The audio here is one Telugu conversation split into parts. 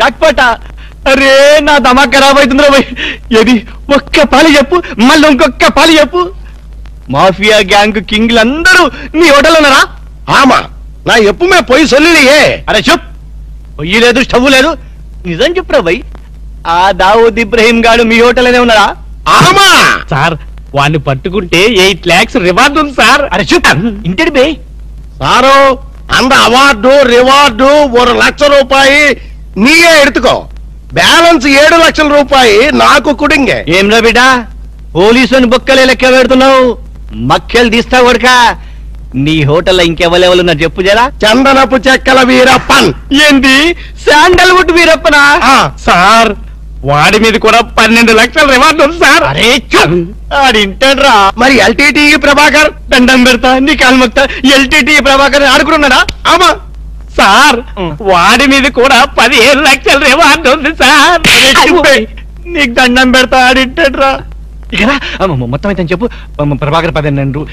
జాక్పాట. అరే నా దమా ఖరాబ్ అవుతుందిరా భయ్. ఏది ఒక్క పాలి చెప్పు, మళ్ళీ ఇంకొక్క పాలి చెప్పు. మాఫియా గ్యాంగ్ కింగ్లందరూ నీ హోటల్ ఉన్నారా? ఆమా నా ఎప్పుమే పోయి సొల్లియే. అరే చెప్, పొయ్యి లేదు స్టవ్ లేదు, నిజం చెప్పురా భయ్. ఆ దావూద్ ఇబ్రహీం గాడు మీ హోటల్ అనే ఉన్నారా? ఆమా సార్ వాడిని పట్టుకుంటే 8 lakhs రివార్డ్ ఉంది సార్. అరే చెప్, ఇంటి బే సారు அந்த అవార్డు రివార్డు 1 లక్ష రూపాయి నీయే ఎడుతుకో. బ్యాలెన్స్ 7 లక్షల రూపాయి నాకు కుడింగే. ఏం రా బిడ్డ, పోలీసుని బొక్కలే లెక్క పెడుతున్నావు, మక్కలు తీస్తావు కొడుక. నీ హోటల్లో ఇంకెవరెవరు ఉన్నారు చెప్పు జరా. చందనపు చెక్కల వీరప్పన్. ఏంది శాండల్వుడ్ వీరప్పనా? సార్ వాడి మీద కూడా 12 లక్షల రివార్డ్ ఉంది సార్. అరే ఆడింటాడ్రా. మరి ఎల్టీటీ ప్రభాకర్. దండం పెడతా, నీ కాలు మొక్తా. ఎల్టీటీ ప్రభాకర్ ఆడుకున్నాడా? ఆమా సార్ వాడి మీద కూడా 15 లక్షల రివార్డ్ ఉంది సార్. నీకు దండం పెడతా, ఆడింటాడ్రా. ఇక మొత్తం అయితే చెప్పు. ప్రభాకర్ 12,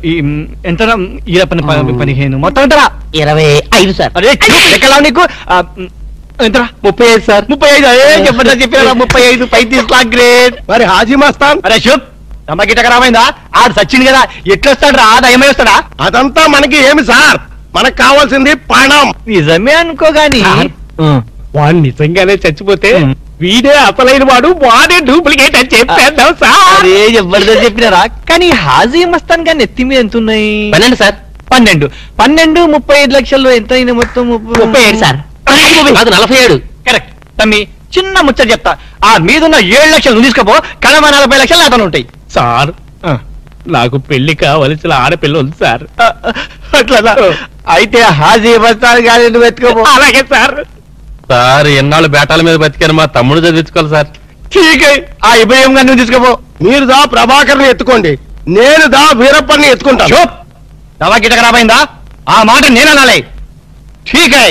ఎంత ఈరప్పని 15, మొత్తం ఎంతరా? 25 సార్. అరే లెక్కలా నీకు ఎంతరా? 35 సార్. 35. అదే చెప్పండి చెప్పారా? 35 35 లాక్ గ్రేట్. మరి హాజీ మస్తాన్. అరే శుభ్, తమ్మకిట ఖరాబైందా? ఆడు సచిన్ కదా, ఎట్లొస్తాడు రా? దయమై వస్తాడా? అదంతా మనకి ఏమి సార్, మనకు కావాల్సింది పణం. నిజమే అనుకోగాని వాడు నిజంగానే చచ్చిపోతే వీడే అసలైన వాడు, వాడే డూప్లికేట్ అని చెప్పేద్దాం సార్. అరే ఎవరిదో చెప్పినారా? కానీ హాజీ మస్తాన్ గాని ఎత్తి మీద ఎంత ఉన్నాయి? 12 సార్. 12 35 లక్షల్లో ఎంత అయినా మొత్తం? 37 సార్. అది 47. కరెక్ట్. తమ్మి చిన్న ముచ్చట చెప్తా, ఆ మీదున్న 7 లక్షలు నువ్వు తీసుకోపో, కడమ 40 లక్షలు అతను ఉంటాయి. సార్ నాకు పెళ్లి కావలసిన ఆడపిల్ల ఉంది సార్. అట్లా అయితే హాజీ మస్తాన్ గాని నువ్వు ఎత్తుకోపో. అలాగే సార్. సార్ ఎన్నాళ్ళు బేటాల మీద బతికాను, మా తమ్ముడు చదివించుకోవాలి సార్. ఠీకే, ఆ ఇబ్రహీం గారిని నువ్వు తీసుకోపో. మీరు దా ప్రభాకర్ని ఎత్తుకోండి, నేను దా వీరప్పని ఎత్తుకుంటాను. చూప్, దవా గిట ఖరాబైందా? ఆ మాట నేననాలే. ఠీకే.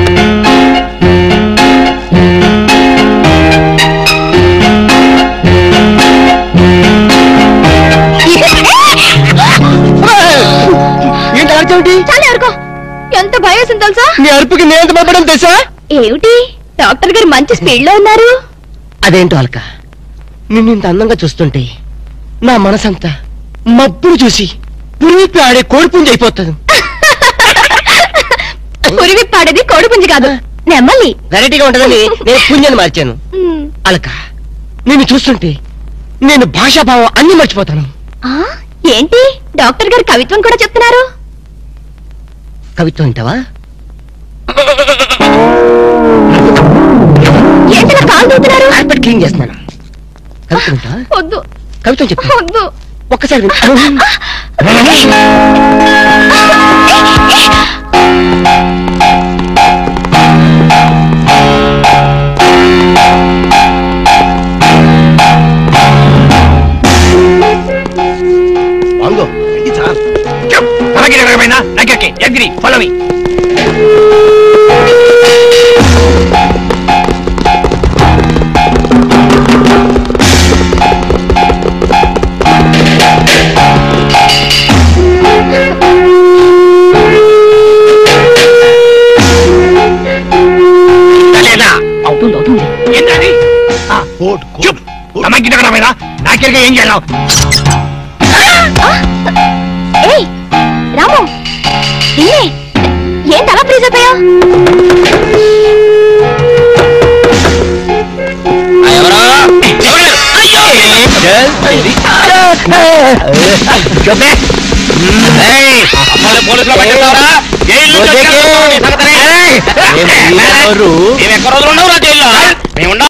ఏంటి అర్జెంటి? చాలా అరుకో, ఎంత భయం వేసింది తెలుసా? నీ అరుపుకి నేను ఎంత భయపడడం తెలుసా? ఏమిటి డాక్టర్ గారు మంచి స్పీడ్ లో ఉన్నారు? అదేంటో అల్క, నిన్ను ఇంత అందంగా చూస్తుంటే నా మనసంతా మబ్బును చూసి పురిపి ఆడే కోడిపుంజి అయిపోతుంది. పురివి పాడేది కోడిపుంజి కాదు, నెమ్మలి. వెరైటీగా ఉంటదని నేను పుంజని మార్చాను. అల్క, నిన్ను చూస్తుంటే నేను భాషాభావం అన్ని మర్చిపోతాను. ఏంటి డాక్టర్ గారు కవిత్వం కూడా చెప్తున్నారు? కవిత్వం వింటావా? ఏంటి కాలు దూతున్నారు? కార్పెట్ క్లీన్ చేస్తున్నాను. కవిత్వం వింటావా? వద్దు. కవిత్వం చెప్తా, వద్దు. ఒక్కసారి వింటా. వంగు ఇది సార్. Follow me. అవుతుంది అవుతుంది. ఏంటది? గిట ఖరాబైందా? నాకెరగా ఏం చేయాలి? ఏయ్ రాము, నిన్నే ఏం తల ఫ్రీజ్ అయిపోయా? పోలీసులో పట్టిస్తారా? జైలు ఎక్కడ రోజులు ఉండవురా జైల్లో? మేము